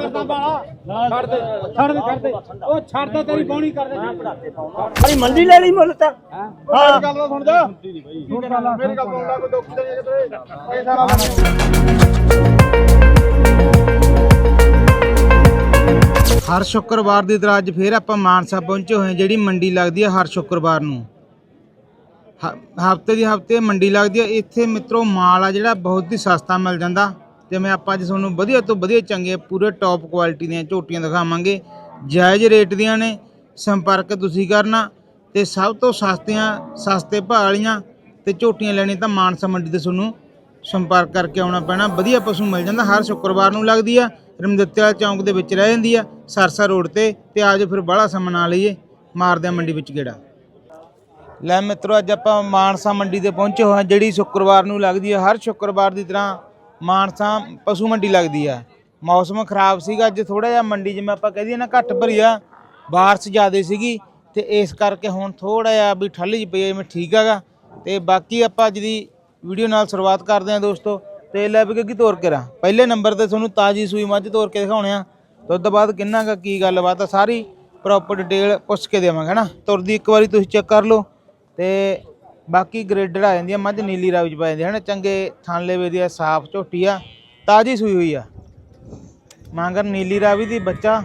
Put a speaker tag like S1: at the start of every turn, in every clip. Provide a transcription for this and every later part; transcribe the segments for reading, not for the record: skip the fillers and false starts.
S1: ਕਰਦਾ ਬਾਲਾ ਛੱਡ ਦੇ ਉਹ ਛੱਡ ਦੇ ਤੇਰੀ ਬੌਣੀ ਕਰ ਦੇ
S2: ਅਰੇ ਮੰਡੀ ਲੈ ਲਈ ਮੁੱਲ ਤਾਂ
S1: ਹਾਂ ਗੱਲ ਦਾ ਸੁਣ ਜਾ ਮੇਰੀ ਗੱਲ ਸੁਣ ਲੈ ਕੋਈ ਦੁੱਖ ਨਹੀਂ ਕਿਤੇ ਪੈਸਾ ਨਾ
S3: ਹਰ ਸ਼ੁੱਕਰਵਾਰ ਦੀ ਤਰ੍ਹਾਂ ਅੱਜ ਫੇਰ ਆਪਾਂ ਮਾਨਸਾ ਪਹੁੰਚੇ ਹੋਏ ਜਿਹੜੀ ਮੰਡੀ ਲੱਗਦੀ ਹੈ ਹਰ ਸ਼ੁੱਕਰਵਾਰ ਨੂੰ ਹਫਤੇ ਮੰਡੀ ਲੱਗਦੀ ਹੈ। ਇੱਥੇ ਮਿੱਤਰੋ ਮਾਲ ਆ ਜਿਹੜਾ ਬਹੁਤ ਹੀ ਸਸਤਾ ਮਿਲ ਜਾਂਦਾ ਜਿਵੇਂ ਆਪਾਂ ਅੱਜ ਤੁਹਾਨੂੰ ਵਧੀਆ ਤੋਂ ਵਧੀਆ ਚੰਗੇ ਪੂਰੇ ਟੌਪ ਕੁਆਲਿਟੀ ਦੀਆਂ ਝੋਟੀਆਂ ਦਿਖਾਵਾਂਗੇ। ਜਾਇਜ਼ ਰੇਟ ਦੀਆਂ ਨੇ, ਸੰਪਰਕ ਤੁਸੀਂ ਕਰਨਾ ਤੇ ਸਭ ਤੋਂ ਸਸਤੇ ਭਾਅ ਵਾਲੀਆਂ ਤੇ ਝੋਟੀਆਂ ਲੈਣੀ ਤਾਂ ਮਾਨਸਾ ਮੰਡੀ ਤੇ ਤੁਹਾਨੂੰ ਸੰਪਰਕ ਕਰਕੇ ਆਉਣਾ ਪੈਣਾ। ਵਧੀਆ ਪਸ਼ੂ ਮਿਲ ਜਾਂਦਾ, ਹਰ ਸ਼ੁੱਕਰਵਾਰ ਨੂੰ ਲੱਗਦੀ ਆ, ਰਮਦਿੱਤਿਆਲ ਚੌਂਕ ਦੇ ਵਿੱਚ ਰਹਿ ਜਾਂਦੀ ਆ, ਸਰਸਾ ਰੋਡ ਤੇ ਆਜੋ ਫਿਰ ਬਾਹਲਾ ਸਮਾਂ ਨਾ ਲਈਏ, ਮਾਰਦੇ ਆ ਮੰਡੀ ਵਿੱਚ ਗੇੜਾ। ਲੈ ਮਿੱਤਰੋ ਅੱਜ ਆਪਾਂ ਮਾਨਸਾ ਮੰਡੀ ਤੇ ਪਹੁੰਚੇ ਹੋਏ ਹਾਂ ਜਿਹੜੀ ਸ਼ੁੱਕਰਵਾਰ ਨੂੰ ਲੱਗਦੀ ਹੈ। ਹਰ ਸ਼ੁੱਕਰਵਾਰ ਦੀ ਤਰ੍ਹਾਂ ਮਾਨਸਾ ਪਸ਼ੂ ਮੰਡੀ ਲੱਗਦੀ ਆ। ਮੌਸਮ ਖਰਾਬ ਸੀਗਾ ਅੱਜ ਥੋੜਾ ਜਿਹਾ, ਮੰਡੀ ਜਿਵੇਂ ਆਪਾਂ ਕਹਿ ਦਈਏ ਨਾ ਘੱਟ ਭਰੀ ਆ, ਬਾਰਿਸ਼ ਜ਼ਿਆਦਾ ਸੀਗੀ ਤੇ ਇਸ ਕਰਕੇ ਹੁਣ ਥੋੜਾ ਜਿਹਾ ਵੀ ਠੱਲ ਜਿਹੀ ਪਈ ਜਿਵੇਂ ਠੀਕ ਹੈਗਾ। ਤੇ ਬਾਕੀ ਆਪਾਂ ਅੱਜ ਦੀ ਵੀਡੀਓ ਨਾਲ ਸ਼ੁਰੂਆਤ ਕਰਦੇ ਹਾਂ ਦੋਸਤੋ। ਤੇ ਲੈ ਵੀ ਕੀ ਤੋਰ ਕੇ ਰਾਂ ਪਹਿਲੇ ਨੰਬਰ ਤੇ ਤੁਹਾਨੂੰ ਤਾਜ਼ੀ ਸੂਈ ਮੱਝ ਤੋਰ ਕੇ ਦਿਖਾਉਣੇ ਆ। ਦੁੱਧ ਬਾਅਦ ਕਿੰਨਾ ਕੁ ਕੀ ਗੱਲਬਾਤ ਆ ਸਾਰੀ ਪ੍ਰੋਪਰ ਡਿਟੇਲ ਪੁੱਛ ਕੇ ਦੇਵਾਂਗੇ ਹੈ ਨਾ। ਤੁਰਦੀ ਇੱਕ ਵਾਰੀ ਤੁਸੀਂ ਚੈੱਕ ਕਰ ਲਓ ਤੇ ਬਾਕੀ ਗ੍ਰੇਡਡ ਆ ਜਾਂਦੀ ਆ ਮੱਝ, ਨੀਲੀ ਰਾਵੀ ਚ ਪਾ ਜਾਂਦੀ ਹੈ ਨਾ, ਚੰਗੇ ਥਾਂਲੇ ਵੇ ਦੀ ਆ, ਸਾਫ਼ ਝੋਟੀ ਆ, ਤਾਜ਼ੀ ਸੂਈ ਹੋਈ ਆ। ਮਾਂਗਰ ਨੀਲੀ ਰਾਵੀ ਦੀ ਬੱਚਾ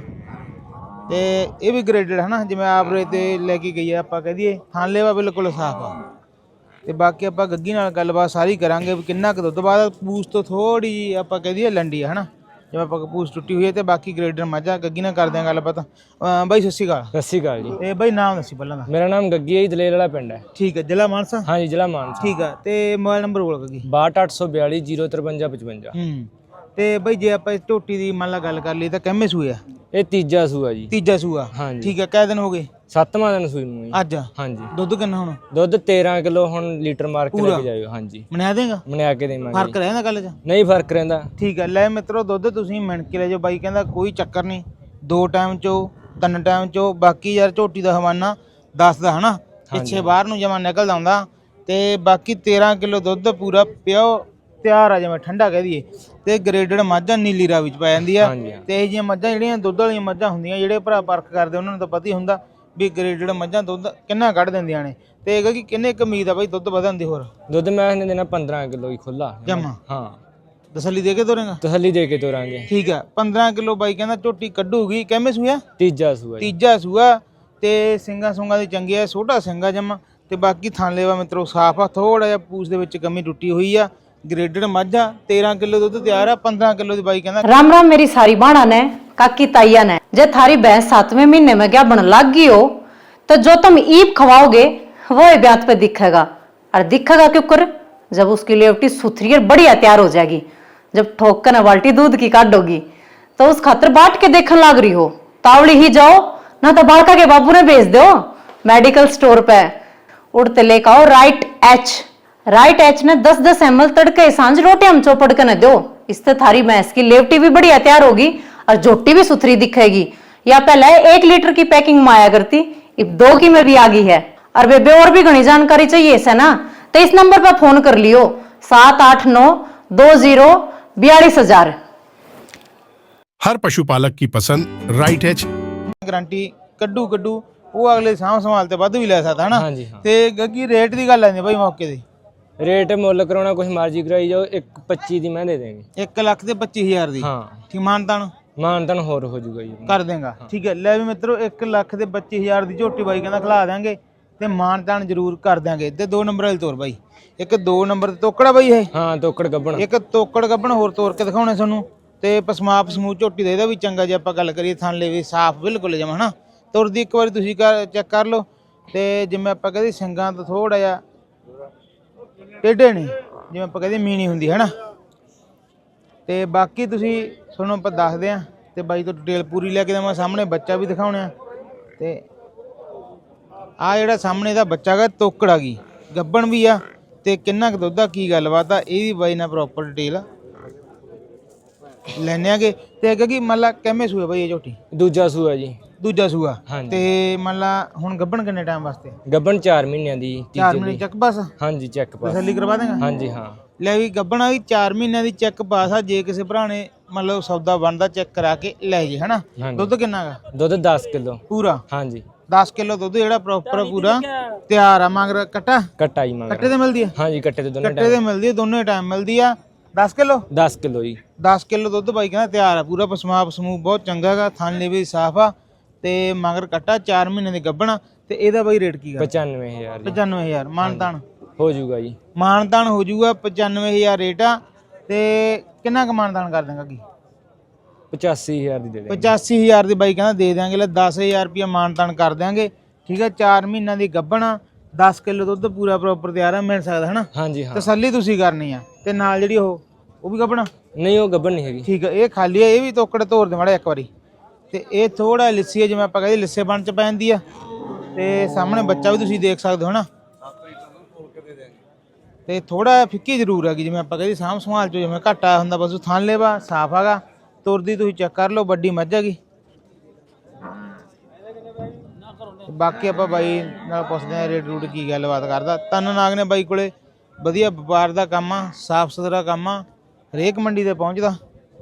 S3: ਤੇ ਇਹ ਵੀ ਗ੍ਰੇਡਡ ਹੈ ਨਾ, ਜਿਵੇਂ ਆਵਰੇ ਤੇ ਲੈ ਕੇ ਗਈ ਆ ਆਪਾਂ ਕਹਿ ਦਈਏ, ਥਾਂਲੇ ਵਾ ਬਿਲਕੁਲ ਸਾਫ਼ ਆ। ਤੇ ਬਾਕੀ ਆਪਾਂ ਗੱਗੀ ਨਾਲ ਗੱਲਬਾਤ ਸਾਰੀ ਕਰਾਂਗੇ ਵੀ ਕਿੰਨਾ ਕੁ ਦੁੱਧ ਬਾਅਦ ਪੂਛ ਤੋਂ ਥੋੜੀ ਜਿਹੀ ਆਪਾਂ ਕਹਿ ਦਈਏ ਲੰਡੀ ਹੈ ਨਾ, ਜਿਵੇਂ ਆਪਾਂ ਪੂਛ ਟੁੱਟੀ ਹੋਈ ਹੈ। ਤੇ ਬਾਕੀ ਗ੍ਰੇਡਰ ਮੱਝਾਂ ਗੱਗੀ ਨਾਲ ਕਰਦੇ ਆਂ ਗੱਲਬਾਤ। ਬਾਈ ਸਤਿ ਸ਼੍ਰੀ ਅਕਾਲ।
S2: ਸਤਿ ਸ਼੍ਰੀ ਅਕਾਲ ਜੀ।
S3: ਤੇ ਬਾਈ ਨਾਮ ਦੱਸੀ ਪਹਿਲਾਂ ਦਾ।
S2: ਮੇਰਾ ਨਾਮ ਗੱਗੀ ਹੈ ਜੀ, ਦਲੇਰ ਵਾਲਾ ਪਿੰਡ ਹੈ।
S3: ਠੀਕ ਹੈ, ਜ਼ਿਲ੍ਹਾ ਮਾਨਸਾ।
S2: ਹਾਂਜੀ ਜ਼ਿਲ੍ਹਾ ਮਾਨਸਾ।
S3: ਠੀਕ ਆ, ਤੇ ਮੋਬਾਈਲ ਨੰਬਰ ਬੋਲ ਗੱਗੀ।
S2: 6282 05355।
S3: ਤੇ ਬਾਈ ਜੇ ਆਪਾਂ ਇਸ ਝੋਟੀ ਦੀ ਮੰਨ ਲਾ ਗੱਲ ਕਰ ਲਈ ਤਾਂ ਕਿੰਨੇ ਸੂਏ ਆ?
S2: ਇਹ ਤੀਜਾ ਸੂਆ ਜੀ।
S3: ਤੀਜਾ ਸੂਆ।
S2: ਹਾਂਜੀ।
S3: ਠੀਕ ਹੈ, ਕਿੰਨੇ ਦਿਨ ਹੋ ਗਏ?
S2: 7ਵਾਂ ਦਿਨ ਸੂਈ ਨੂੰ ਜੀ
S3: ਅੱਜ।
S2: ਹਾਂਜੀ।
S3: ਦੁੱਧ ਕਿੰਨਾ ਹੁਣ?
S2: ਦੁੱਧ 13 ਕਿਲੋ ਹੁਣ ਲੀਟਰ ਮਾਰ ਕੇ ਲੈ ਕੇ ਜਾਇਓ। ਹਾਂਜੀ
S3: ਮਨਾ ਦੇਗਾ?
S2: ਮਨਾ ਕੇ ਦੇਵਾਂਗੇ।
S3: ਫਰਕ ਰਹਿੰਦਾ ਗੱਲ 'ਚ?
S2: ਨਹੀਂ ਫਰਕ ਰਹਿੰਦਾ।
S3: ਠੀਕ ਹੈ, ਲੈ ਮਿੱਤਰੋ ਦੁੱਧ ਤੁਸੀਂ ਮਿਣ ਕੇ ਲੈ ਜਾਓ। ਬਾਈ ਕਹਿੰਦਾ ਕੋਈ ਚੱਕਰ ਨਹੀਂ, 2 ਟਾਈਮ ਚੋਂ 3 ਟਾਈਮ ਚੋਂ। ਬਾਕੀ ਯਾਰ ਝੋਟੀ ਦਾ ਹਵਾਨਾ ਦੱਸਦਾ ਹਨਾ, ਪਿੱਛੇ ਬਾਹਰ ਨੂੰ ਜਮਾ ਨਿਕਲਦਾ ਹੁੰਦਾ। ਤੇ ਬਾਕੀ 13 ਕਿਲੋ ਦੁੱਧ ਪੂਰਾ ਪਿਓ ਤਿਆਰ ਆ, ਜਿਵੇਂ ਠੰਡਾ ਕਹਿ ਦਈਏ। ਤੇ ਗ੍ਰੇਡਡ ਮੱਝਾਂ ਨੀਲੀ ਰਾਵੀ ਚ ਪੈ ਜਾਂਦੀ ਆ। ਤੇ ਇਹ ਜਿਹੀਆਂ ਮੱਝਾਂ ਜਿਹੜੀਆਂ ਦੁੱਧ ਵਾਲੀਆਂ ਮੱਝਾਂ ਹੁੰਦੀਆਂ, ਜਿਹੜੇ ਭਰਾ ਪਰਖ ਕਰਦੇ ਉਹਨਾਂ ਨੂੰ ਤਾਂ ਪਤਾ ਹੀ ਹੁੰਦਾ ਵੀ ਗ੍ਰੇਡਡ ਮੱਝਾਂ ਦੁੱਧ ਕਿੰਨਾ ਕੱਢ ਦਿੰਦੀਆਂ ਨੇ। ਤੇ ਇਹ ਕਿ ਕਿੰਨੇ ਕੁ ਉਮੀਦ ਆ ਬਾਈ ਦੁੱਧ ਵਧਣ ਦੀ? ਹੋਰ
S2: ਦੁੱਧ ਮੈਂ ਦੇਣਾ 15 ਕਿਲੋ ਹੀ ਖੁੱਲਾ
S3: ਜਮਾ।
S2: ਹਾਂ,
S3: ਤਸੱਲੀ ਦੇ ਕੇ ਤੋਰੇਗਾ? ਤਸੱਲੀ
S2: ਦੇ ਕੇ ਤੋਰਾਂਗੇ।
S3: ਠੀਕ ਆ, 15 ਕਿਲੋ ਬਾਈ ਕਹਿੰਦਾ ਝੋਟੀ ਕੱਢੂਗੀ। ਕਿੰਨੇ ਸੂਆ?
S2: ਤੀਜਾ ਸੂਆ।
S3: ਤੀਜਾ ਸੂਆ। ਤੇ ਸਿੰਘਾਂ ਸੁੰਗਾਂ ਦੀ ਚੰਗੀ ਆ, ਛੋਟਾ ਸਿੰਘਾ ਜਮਾ। ਤੇ ਬਾਕੀ ਥਾਂਲੇਵਾ ਮਿੱਤਰੋ ਸਾਫ ਆ, ਥੋੜਾ ਜਿਹਾ ਪੂਛ ਦੇ ਵਿੱਚ ਕਮੀ ਟੁੱਟੀ ਹੋਈ ਆ। ग्रेडेड मज्जा 13 किलो दूध तैयार है। 15 किलो की बाई कहना।
S4: राम राम मेरी सारी बाणा ने काकी ताइया ने। जे थारी भैंस 7वें महीने में क्या बन लग गई हो तो जो तुम ईप खवाओगे वो ब्यात पे दिखेगा। और दिखेगा क्यों कर? जब उसकी लेवटी सुथरी और बढ़िया तैयार हो जाएगी, जब ठोक कर बाल्टी दूध की काटोगी तो उस खातर बाट के देखने लग रही हो। तावड़ी ही जाओ ना तो बालका के बाबू ने भेज दो मेडिकल स्टोर पे। उड़ते लेकर आओ राइट एच ने 10-10 ml तड़के सांझ रोटी हम चौपड़ के न दो। इससे थारी भैंस की लेवटी भी बढ़िया तैयार होगी और झोटी भी सुथरी दिखेगी। या पहले 1 लीटर की पैकिंग में आया करती, अब 2 की में भी आ गई है। और बेबे और भी घनी जानकारी चाहिए इसे ना तो इस नंबर पर फोन कर लियो 78920424000।
S5: हर पशुपालक की पसंद राइट एच।
S3: गारंटी कड्डू वो अगले साम संभाल ते वध भी ले सकता है ना। ते गग्गी रेट दी गल आंदी भाई मौके दी।
S2: रेट मुल कराना कुछ मर्जी कराई जाओ, 1.25 दी मैं दे देंगे।
S3: 1,25,000 दी।
S2: हाँ
S3: ठीक, मानतान
S2: होर हो जाऊगा जी,
S3: कर देंगा। ठीक है, ले भी मित्रों 1,25,000 दी झोटी बाई कहना खिला देंगे ते मानतान जरूर कर देंगे। ते 2 नंबर वाली तोर बाई, एक 2 नंबर ते तोकड़ा बाई है।
S2: हाँ तोकड़ गब्बण,
S3: एक तोकड़ गब्बण होर तोर के दिखाने सानू। ते पसमाप समूह झोटी दा भी चंगा जे आपां गल करिए थान ले भी साफ बिल्कुल जमा है ना। तुरदी एक बार तुसीं चेक कर लो। ते जिवें आपां कहदे सिंगां तो थोड़ा जिहा टेढ़े ने, जिवें आपां कहदे मीणी हुंदी है ना। ते बाकी तुसीं सुनो आपां दसदे आ ते बाई तो डिटेल पूरी लैके देवां। सामने बच्चा भी दिखाउणे आ। ते आ जिहड़ा सामने दा बच्चा गा तोकड़ आ गई, गब्बण भी आ। ते किन्ना क दुद्ध आ, की गलबात आ, ਇਹ ਵੀ ਬਾਈ ਨਾਲ ਪ੍ਰੋਪਰ ਡਿਟੇਲ ਲੈਣੇ ਆਗੇ। ਤੇ ਕਿਉਂਕਿ ਮੰਨ ਲਾ ਕਿੰਨੇ ਸੂਏ ਬਾਈ ਇਹ ਝੋਟੀ?
S2: ਦੂਜਾ ਸੂਆ ਜੀ।
S3: ਦੂਜਾ ਸੂਆ। ਤੇ ਮੰਨ ਲਾ ਹੁਣ ਗੱਬਣ ਕਿੰਨੇ ਟਾਈਮ ਵਾਸਤੇ?
S2: ਗੱਬਣ 4 ਮਹੀਨਿਆਂ ਦੀ।
S3: 4 ਮਹੀਨੇ ਚੱਕ ਬਸ।
S2: ਹਾਂਜੀ ਚੱਕ ਬਸ।
S3: ਤਸੱਲੀ ਕਰਵਾ ਦੇਗਾ?
S2: ਹਾਂਜੀ ਹਾਂ।
S3: ਲੈ ਵੀ ਗੱਬਣਾ ਵੀ 4 ਮਹੀਨਿਆਂ ਦੀ ਚੈੱਕ ਪਾਸ ਆ। ਜੇ ਕਿਸੇ ਭਰਾ ਨੇ ਮਤਲਬ ਸੌਦਾ ਬਣਦਾ ਚੈੱਕ ਕਰਾ ਕੇ ਲੈ ਜੇ ਹਨਾ।
S2: ਹਾਂਜੀ।
S3: ਦੁੱਧ ਕਿੰਨਾ ਗਾ?
S2: ਦੁੱਧ 10 ਕਿਲੋ
S3: ਪੂਰਾ
S2: ਹਾਂਜੀ।
S3: 10 ਕਿਲੋ ਦੁੱਧ ਜਿਹੜਾ ਪ੍ਰੋਪਰ ਪੂਰਾ ਤਿਆਰ ਆ। ਮਗਰ ਕੱਟਾ
S2: ਕੱਟਾ ਜੀ ਮਗਰ
S3: ਕੱਟੇ ਤੇ ਮਿਲਦੀ ਆ?
S2: ਹਾਂਜੀ ਕੱਟੇ ਤੇ ਦੋਨੇ
S3: ਕੱਟੇ ਤੇ ਮਿਲਦੀ ਆ, ਦੋਨੇ ਟਾਈਮ ਮਿਲਦੀ ਆ। 10 ਕਿਲੋ
S2: 10 ਕਿਲੋ ਜੀ।
S3: 10 ਕਿਲੋ ਦੁੱਧ ਬਾਈ ਕਹਿੰਦਾ ਤਿਆਰ ਆ ਪੂਰਾ। ਪਸਮਾਪ ਸਮੂਹ ਬਹੁਤ ਚੰਗਾ ਗਾ, ਥਣ ਲੇਵੇ ਵੀ ਸਾਫ ਆ ਤੇ ਮਗਰ ਕੱਟਾ 4 ਮਹੀਨੇ ਦੀ ਗੱਭਣਾ। ਤੇ ਇਹਦਾ ਬਾਈ ਰੇਟ ਕੀ ਗਾ?
S2: 95000 ਜੀ।
S3: 95000 ਮਾਨਤਾਨ
S2: ਹੋ ਜਾਊਗਾ ਜੀ।
S3: ਮਾਨਤਾਨ ਹੋ ਜਾਊਗਾ। 95000 ਰੇਟ ਆ। ਤੇ ਕਿੰਨਾ ਕੁ ਮਾਨਤਾਨ ਕਰ ਦਾਂਗਾ ਕੀ?
S2: 85000 ਦੀ ਦੇ ਦੇ।
S3: 85000 ਦੀ ਬਾਈ ਕਹਿੰਦਾ ਦੇ ਦਿਆਂਗੇ। ਲੈ 10000 ਰੁਪਇਆ ਮਾਨਤਾਨ ਕਰ ਦਿਆਂਗੇ ਠੀਕ ਆ। 4 ਮਹੀਨਿਆਂ ਦੀ ਗੱਭਣਾ 10 ਕਿਲੋ ਦੁੱਧ ਪੂਰਾ ਪ੍ਰੋਪਰ ਤਿਆਰ ਆ, ਮਿਲ ਸਕਦਾ ਹਨਾ।
S2: ਹਾਂਜੀ ਹਾਂ।
S3: ਤਸੱਲੀ ਤੁਸੀਂ ਕਰਨੀ ਆ। ਤੇ ਨਾਲ ਜਿਹੜੀ ਉਹ ਵੀ ਗੱਭਣਾ
S2: ਨਹੀਂ ਉਹ ਗੱਭਣ ਨਹੀਂ ਹੈਗੀ।
S3: ਠੀਕ ਆ। ਇਹ ਖਾਲੀ ਆ, ਇਹ ਵੀ ਤੋਕੜ ਤੋੜ ਦੇ ਮਾੜਾ ਇੱਕ ਵਾਰੀ। ਤੇ ਇਹ ਥੋੜਾ ਲਿੱਸੀ ਆ, ਜਿਵੇਂ ਆਪਾਂ ਕਹਿੰਦੇ ਲਿੱਸੇ ਬਣ ਚ ਪੈਂਦੀ ਆ। ਤੇ ਸਾਹਮਣੇ ਬੱਚਾ ਵੀ ਤੁਸੀਂ ਦੇਖ ਸਕਦੇ ਹੋ ਨਾ। ਤੇ ਥੋੜਾ ਫਿੱਕੀ ਜ਼ਰੂਰ ਹੈਗੀ, ਜਿਵੇਂ ਆਪਾਂ ਕਹਿੰਦੇ ਸਾਂਭ ਸੰਭਾਲ ਚ ਜਿਵੇਂ ਘੱਟ ਆਇਆ ਹੁੰਦਾ। ਬਸ ਥਣ ਲੇਵਾ ਸਾਫ ਹੈਗਾ, ਤੁਰਦੀ ਤੁਸੀਂ ਚੈੱਕ ਕਰ ਲਓ, ਵੱਡੀ ਮੱਝ ਹੈਗੀ। ਬਾਕੀ ਆਪਾਂ ਬਾਈ ਨਾਲ ਪੁੱਛਦੇ ਆ ਰੇਟ ਰੂਟ ਕੀ ਗੱਲਬਾਤ ਕਰਦਾ। ਤਨ ਨਾਗ ਨੇ ਬਾਈ ਕੋਲੇ ਵਧੀਆ ਵਪਾਰ ਦਾ ਕੰਮ ਆ, ਸਾਫ ਸੁਥਰਾ ਕੰਮ ਆ, ਹਰੇਕ ਮੰਡੀ ਤੇ ਪਹੁੰਚਦਾ।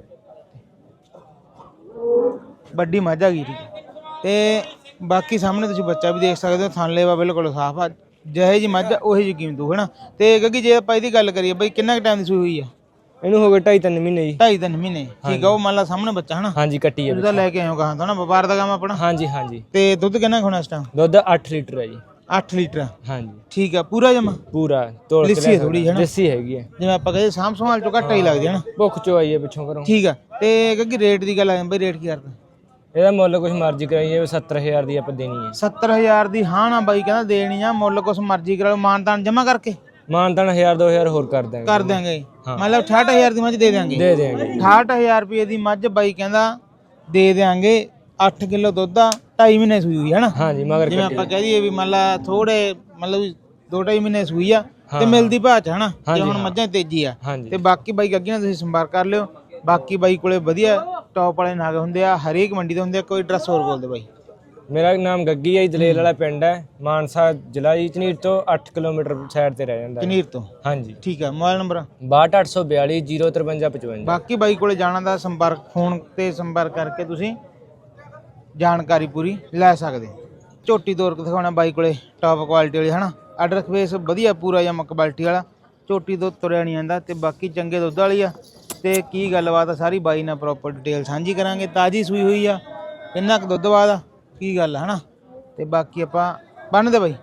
S3: ਵੱਡੀ ਮੱਝ ਹੈਗੀ ਠੀਕ। ਤੇ ਬਾਕੀ ਸਾਹਮਣੇ ਤੁਸੀਂ ਬੱਚਾ ਵੀ ਦੇਖ ਸਕਦੇ ਹੋ, ਥਣ ਲੇਵਾ ਬਿਲਕੁਲ ਸਾਫ ਆ। ਜਿਹੇ ਜੀ ਮੱਝ ਉਹੀ ਜੀ ਕੀਮਤ ਹੋ ਹੈ ਨਾ। ਤੇ ਕਿਉਂਕਿ ਜੇ ਆਪਾਂ ਇਹਦੀ ਗੱਲ ਕਰੀਏ ਬਾਈ ਕਿੰਨਾ ਕੁ ਟਾਈਮ ਦੀ ਸੂਈ ਹੋਈ ਆ?
S2: ਇਹਨੂੰ ਹੋ ਗਏ 2.5-3 ਮਹੀਨੇ ਜੀ।
S3: 2.5-3 ਮਹੀਨੇ ਠੀਕ ਆ। ਉਹ ਮੰਨ ਲਾ ਸਾਹਮਣੇ ਬੱਚਾ ਹਨਾ।
S2: ਹਾਂਜੀ ਕੱਟੀ ਹੈ।
S3: ਉਹਦਾ ਲੈ ਕੇ ਆਇਓ ਕਹਾਂ ਤਾਂ ਨਾ, ਵਪਾਰ ਦਾ ਕੰਮ ਆਪਣਾ।
S2: ਹਾਂਜੀ ਹਾਂਜੀ।
S3: ਤੇ ਦੁੱਧ ਕਿੰਨਾ ਹੋਣਾ ਇਸ ਟਾਈਮ?
S2: ਦੁੱਧ 8 ਲੀਟਰ ਹੈ ਜੀ।
S3: 8 ਲੀਟਰ
S2: ਹਾਂਜੀ
S3: ਠੀਕ ਆ। ਪੂਰਾ ਜਮਾ
S2: ਪੂਰਾ ਤੋਲ ਕੇ
S3: ਲਿੱਸੀ ਥੋੜੀ ਹੈ ਨਾ।
S2: ਲਿੱਸੀ ਹੈਗੀ ਹੈ,
S3: ਜਿਵੇਂ ਆਪਾਂ ਕਹਿੰਦੇ ਸਾਂਭ ਸੰਭਾਲ ਚੋਂ ਘੱਟ ਹੀ ਲੱਗਦੀ ਹੈ ਨਾ।
S2: ਭੁੱਖ ਚੋ ਆਈ ਹੈ ਪਿੱਛੋਂ ਘਰੋਂ।
S3: ਠੀਕ ਆ। ਤੇ ਕਿਉਂਕਿ ਰੇਟ ਦੀ ਗੱਲ ਆ ਬਈ, ਰੇਟ ਕੀ ਕਰਦਾ?
S2: ਇਹਦਾ ਮੁੱਲ ਕੁਛ ਮਰਜ਼ੀ ਕਰਾਈਏ, 70000 ਦੀ ਆਪਾਂ ਦੇਣੀ ਹੈ।
S3: 70000 ਦੀ ਹਾਂ ਨਾ ਬਾਈ ਕਹਿੰਦਾ ਦੇਣੀ ਆ। ਮੁੱਲ ਕੁਛ ਮਰਜ਼ੀ ਕਰਾ ਲਓ, ਮਾਨਤਾਨ ਜਮਾ ਕਰਕੇ
S2: ਮਾਨਤਾਨ 1000-2000 ਹੋਰ ਕਰ ਦਾਂਗੇ।
S3: ਕਰ ਦਿਆਂਗੇ। ਮਤਲਬ 68000 ਦੀ ਮੱਝ ਦੇ ਦਿਆਂਗੇ।
S2: ਦੇ ਦੇਾਂਗੇ।
S3: 68000 ਰੁਪਏ ਦੀ ਮੱਝ ਬਾਈ ਕਹਿੰਦਾ ਦੇ ਦਿਆਂਗੇ। 8 ਕਿਲੋ ਦੁੱਧ ਆ, 2.5 ਮਹੀਨੇ ਸੂਈ ਹੋਈ ਹੈ ਨਾ।
S2: ਹਾਂਜੀ ਮਗਰ
S3: ਜਿਵੇਂ ਆਪਾਂ ਕਹਿ ਦਈਏ ਵੀ ਮੰਨ ਲਾ ਥੋੜੇ ਮਤਲਬ 2-2.5 ਮਹੀਨੇ ਸੂਈ ਆ ਤੇ ਮਿਲਦੀ ਭਾਅ ਚ ਹਨਾ। ਜੇ ਹੁਣ ਮੱਝਾਂ ਤੇਜ਼ੀ ਆ। ਤੇ ਬਾਕੀ ਬਾਈ ਗੱਗੀ ਨਾਲ ਤੁਸੀਂ ਸੰਪਰਕ ਕਰ ਲਿਓ। ਬਾਕੀ ਬਾਈ ਕੋਲੇ ਵਧੀਆ ਟੌਪ ਵਾਲੇ ਨਾਗ ਹੁੰਦੇ ਆ, ਹਰੇਕ ਮੰਡੀ ਦੇ ਹੁੰਦੇ ਆ। ਕੋਈ ਐਡਰੈਸ ਹੋਰ ਬੋਲ ਦੇ ਬਾਈ।
S2: ਮੇਰਾ ਨਾਮ ਗੱਗੀ ਹੈ, ਦਲੇਲ ਵਾਲਾ ਪਿੰਡ ਹੈ, ਮਾਨਸਾ ਜ਼ਿਲ੍ਹਾ ਜੀ। ਝਨੀਰ ਤੋਂ 8 ਕਿਲੋਮੀਟਰ ਸਾਈਡ ਤੇ ਰਹਿ ਜਾਂਦਾ।
S3: ਝਨੀਰ ਤੋਂ
S2: ਹਾਂਜੀ
S3: ਠੀਕ ਆ। Mobile number
S2: 62842 05355।
S3: ਬਾਕੀ ਬਾਈ ਕੋਲੇ ਜਾਣਾ ਦਾ ਸੰਪਰਕ ਫੋਨ ਤੇ ਸੰਪਰਕ ਕਰਕੇ ਤੁਸੀਂ ਜਾਣਕਾਰੀ ਪੂਰੀ ਲੈ ਸਕਦੇ। ਝੋਟੀ ਤੋਰ ਕੇ ਦਿਖਾਉਣਾ ਬਾਈ ਕੋਲੇ ਟੌਪ ਕੁਆਲਿਟੀ ਵਾਲੀ ਹਨਾ। ਆਰਡਰ ਫੇਸ ਵਧੀਆ ਪੂਰਾ ਜਾਂ ਕੁਆਲਿਟੀ ਵਾਲਾ। ਝੋਟੀ ਤੋਂ ਤੁਰਿਆ ਨਹੀਂ ਜਾਂਦਾ ਤੇ ਬਾਕੀ ਚੰਗੇ ਦੁੱਧ ਵਾਲੀ ਆ। ਤੇ ਕੀ ਗੱਲਬਾਤ ਆ ਸਾਰੀ ਬਾਈ ਨਾਲ ਪ੍ਰੋਪਰ ਡਿਟੇਲ ਸਾਂਝੀ ਕਰਾਂਗੇ। ਤਾਜ਼ੀ ਸੂਈ ਹੋਈ ਆ, ਕਿੰਨਾ ਕੁ ਦੁੱਧ ਬਾਅਦ ਆ, ਕੀ ਗੱਲ ਆ ਹਨਾ। ਤੇ ਬਾਕੀ ਆਪਾਂ ਬੰਨਦੇ ਬਾਈ।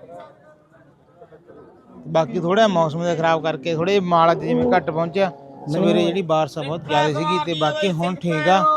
S3: ਬਾਕੀ ਥੋੜਾ ਮੌਸਮ ਦੇ ਖਰਾਬ ਕਰਕੇ ਥੋੜੇ ਮਾਲ ਅੱਜ ਜਿਵੇਂ ਘੱਟ ਪਹੁੰਚਿਆ। ਸਵੇਰੇ ਜਿਹੜੀ ਬਾਰਿਸ਼ ਬਹੁਤ ਜ਼ਿਆਦਾ ਸੀਗੀ ਤੇ ਬਾਕੀ ਹੁਣ ਠੀਕ ਆ।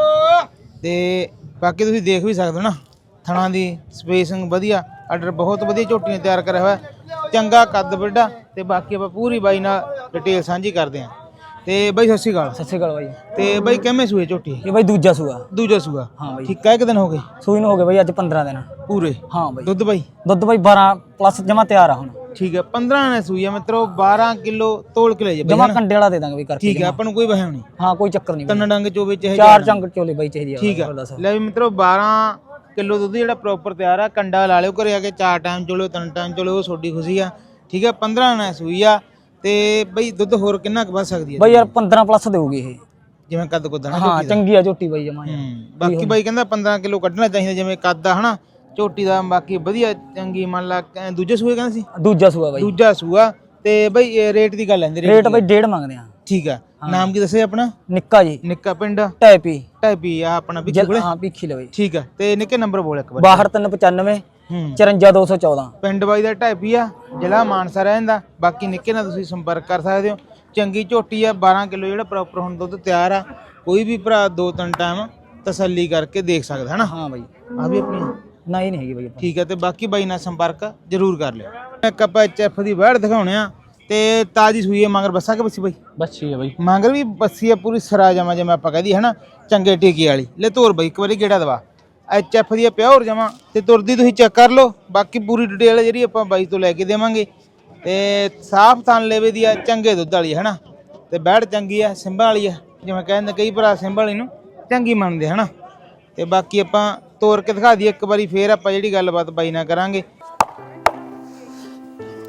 S3: ਤੇ ਬਾਕੀ ਤੁਸੀਂ ਦੇਖ ਵੀ ਸਕਦੇ ਹੋ ਨਾ, ਥਣਾ ਦੀ ਸਪੇਸਿੰਗ ਵਧੀਆ, ਆਰਡਰ ਬਹੁਤ ਵਧੀਆ ਝੋਟੀਆਂ ਤਿਆਰ ਕਰਿਆ ਹੋਇਆ, ਚੰਗਾ ਕੱਦ ਵੱਡਾ। ਤੇ ਬਾਕੀ ਆਪਾਂ ਪੂਰੀ ਬਾਈ ਨਾਲ ਡਿਟੇਲ ਸਾਂਝੀ ਕਰਦੇ ਹਾਂ। ਤੇ ਬਾਈ ਸਤਿ ਸ਼੍ਰੀ ਅਕਾਲ।
S6: ਸਤਿ ਸ਼੍ਰੀ ਅਕਾਲ ਬਾਈ।
S3: ਤੇ ਬਾਈ ਕਿਵੇਂ ਸੂਏ ਝੋਟੀ?
S6: ਇਹ ਬਾਈ ਦੂਜਾ ਸੂਆ।
S3: ਦੂਜਾ ਸੂਆ
S6: ਹਾਂ ਬਾਈ।
S3: ਠੀਕ ਆ। ਇੱਕ ਦਿਨ ਹੋ ਗਏ
S6: ਸੂਈ ਨੂੰ ਹੋ ਗਏ ਬਾਈ ਅੱਜ 15 ਦਿਨ
S3: ਪੂਰੇ?
S6: ਹਾਂ ਬਾਈ।
S3: ਦੁੱਧ ਬਾਈ?
S6: ਦੁੱਧ ਬਾਈ 12 ਪਲੱਸ ਜਮਾ ਤਿਆਰ ਆ ਹੁਣ।
S3: ਠੀਕ ਆ। 15 ਨੇ ਸੂਈ ਆ ਮਿੱਤਰੋ। 12 ਕਿਲੋ ਤੋਲ ਕੇ ਲੈ ਜੇ
S6: ਜਮਾ ਕੰਡੇ ਵਾਲਾ ਦੇ ਦਾਂਗੇ ਬਾਈ ਕਰਕੇ।
S3: ਠੀਕ ਆ। ਆਪਾਂ ਨੂੰ ਕੋਈ ਵਹਿਮ ਨਹੀਂ।
S6: ਹਾਂ ਕੋਈ ਚੱਕਰ ਨਹੀਂ।
S3: ਤਿੰਨ ਡੰਗ ਚੋਵੇ ਚਾਹੇ
S6: ਚਾਰ ਚੰਗ ਚੋਲੇ ਬਾਈ ਚਾਹੀਦੀ ਆ।
S3: ਠੀਕ ਆ। ਲੈ ਵੀ ਮਿੱਤਰੋ 12 ਕਿਲੋ ਦੁੱਧ ਜਿਹੜਾ ਪ੍ਰੋਪਰ ਤਿਆਰ ਆ। ਕੰਡਾ ਲਾ ਲਿਓ ਘਰੇ ਆ ਕੇ, 4 ਟਾਈਮ ਚੋਲੋ 3 ਟਾਈਮ ਚੋਲੋ, ਉਹ ਤੁਹਾਡੀ ਖੁਸ਼ੀ ਆ। ਠੀਕ ਆ। 15 ਨੇ ਸੂਈ ਆ। ਤੇ ਬਈ ਦੁੱਧ ਹੋਰ ਕਿੰਨਾ ਕੁ ਵੱਧ ਸਕਦੀ ਹੈ
S6: ਬਾਈ? ਯਾਰ 15 ਪਲੱਸ ਦੇਊਗੀ ਇਹ,
S3: ਜਿਵੇਂ ਕੱਦ ਕੁੱਦ ਨਾ।
S6: ਹਾਂ ਚੰਗੀ ਆ ਝੋਟੀ ਬਾਈ ਜਮਾ।
S3: ਬਾਕੀ ਬਾਈ ਕਹਿੰਦਾ 15 ਕਿਲੋ ਕੱਢਣਾ ਚਾਹੀਦਾ ਜਿਵੇਂ ਕੱਦ ਆ ਹਨਾ ਝੋਟੀ ਦਾ। ਬਾਕੀ ਵਧੀਆ ਚੰਗੀ ਮੰਨ ਲਾ। ਦੂਜੇ ਸੂਏ ਕਹਿੰਦਾ ਸੀ?
S6: ਦੂਜਾ ਸੂਆ ਬਾਈ।
S3: ਦੂਜਾ ਸੂਆ। ਤੇ ਬਈ ਰੇਟ ਦੀ ਗੱਲ ਆਂਦੀ?
S6: ਰੇਟ ਬਾਈ 1.5 ਮੰਗਦੇ ਆ।
S3: ਠੀਕ ਆ। ਨਾਮ ਕੀ ਦੱਸਿਆ ਆਪਣਾ?
S6: ਨਿੱਕਾ ਜੀ।
S3: ਨਿੱਕਾ ਪਿੰਡ
S6: ਟੈਪੀ।
S3: ਟੈਪੀ ਆ ਆਪਣਾ ਪਿੱਛੇ ਕੋਲੇ?
S6: ਹਾਂ ਪਿੱਖੀ ਲੈ ਬਾਈ।
S3: ਠੀਕ ਆ। ਤੇ ਨਿੱਕੇ ਨੰਬਰ ਬੋਲ ਇੱਕ ਵਾਰ।
S6: 62395 54214।
S3: ਪਿੰਡ ਬਾਈ ਦਾ ਟੈਪੀ ਆ, ਜ਼ਿਲ੍ਹਾ ਮਾਨਸਾ ਰਹਿੰਦਾ। ਬਾਕੀ ਨਿੱਕੇ ਨਾਲ ਤੁਸੀਂ ਸੰਪਰਕ ਕਰ ਸਕਦੇ ਹੋ। ਚੰਗੀ ਝੋਟੀ ਆ। 12 ਕਿਲੋ ਜਿਹੜਾ ਪ੍ਰੋਪਰ ਹੁਣ ਦੁੱਧ ਤਿਆਰ ਆ। ਕੋਈ ਵੀ ਭਰਾ 2-3 ਟਾਈਮ ਤਸੱਲੀ ਕਰਕੇ ਦੇਖ ਸਕਦਾ ਹੈ ਨਾ।
S6: ਹਾਂ ਬਾਈ।
S3: ਆ ਵੀ ਆਪਣੀ
S6: ਨਹੀਂ ਨਹੀਂ ਹੈਗੀ ਬਾਈ।
S3: ਠੀਕ ਹੈ। ਤੇ ਬਾਕੀ ਬਾਈ ਨਾਲ ਸੰਪਰਕ ਜ਼ਰੂਰ ਕਰ ਲਿਓ। ਇੱਕ ਆਪਾਂ ਐਚਐਫ ਦੀ ਵੈੜ ਦਿਖਾਉਣੇ ਆ। ਤੇ ਤਾਜੀ ਸੂਈ ਹੈ ਮਗਰ ਬੱਸਾ ਕਿ ਬੱਸੀ ਬਾਈ?
S6: ਬੱਚੀ ਹੈ ਬਾਈ।
S3: ਮਗਰ ਵੀ ਬੱਸੀ ਆ ਪੂਰੀ ਸਰਾ ਜਮਾ, ਜਿਵੇਂ ਆਪਾਂ ਕਹਦੀ ਹੈ ਨਾ ਚੰਗੇ ਟੀਕੇ ਵਾਲੀ। ਲੈ ਤੋਰ ਬਾਈ ਇੱਕ ਵਾਰੀ ਗੇੜਾ ਦਵਾ। ਐਚਐਫ ਦੀ ਪਿਓਰ ਜਮਾ ਤੇ ਤੁਰਦੀ ਤੁਸੀਂ ਚੈੱਕ ਕਰ ਲਓ। ਬਾਕੀ ਪੂਰੀ ਡਿਟੇਲ ਜਿਹੜੀ ਆਪਾਂ ਬਾਈ ਤੋਂ ਲੈ ਕੇ ਦੇਵਾਂਗੇ। ਤੇ ਸਾਫ ਥਣ ਲੇਵੇ ਦੀ ਆ, ਚੰਗੇ ਦੁੱਧ ਵਾਲੀ ਹੈ ਨਾ। ਤੇ ਵੈੜ ਚੰਗੀ ਆ, ਸਿੰਬਾ ਵਾਲੀ ਆ। ਜਿਵੇਂ ਕਹਿੰਦੇ ਕਈ ਭਰਾ ਸਿੰਬਾ ਵਾਲੀ ਨੂੰ ਚੰਗੀ ਮੰਨਦੇ ਹਨਾ। ਤੇ ਬਾਕੀ ਆਪਾਂ ਤੋਰ ਕੇ ਦਿਖਾ ਦਈਏ ਇੱਕ ਵਾਰੀ, ਫੇਰ ਆਪਾਂ ਜਿਹੜੀ ਗੱਲਬਾਤ ਬਾਈ ਨਾਲ ਕਰਾਂਗੇ।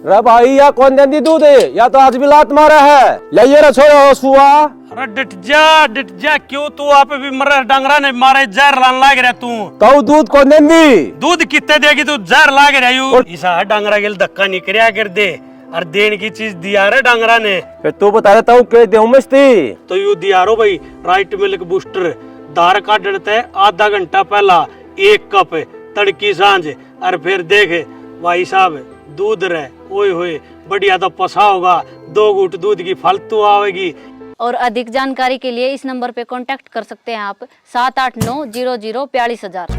S7: रे भाई या कौन देंदी दूध है या तो आज भी लात मारा है ले ये छोड़ो सुआ।
S8: अरे डिट जा क्यों तू आप भी मरे डंगरा ने मारे जहर लान लाग रहा तू
S7: कहू दूध कौन देंदी
S8: दूध कितने देगी तू जहर लाग रहा यू इसा डंगरा के धक्का नहीं करया कर दे और देने की चीज दिया रे डंगरा ने
S7: फिर तू बता देता हूँ के देऊ मस्ती
S8: तो यू दिया रो भाई राइट मिल्क बूस्टर दार का डरते आधा घंटा पहला 1 कप तड़की सांझ और फिर देख भाई साहब दूध रहे ओए होए बढ़िया तो पसा होगा 2 घूंट दूध की फालतू आवेगी।
S9: और अधिक जानकारी के लिए इस नंबर पे कांटेक्ट कर सकते हैं आप 78900424000।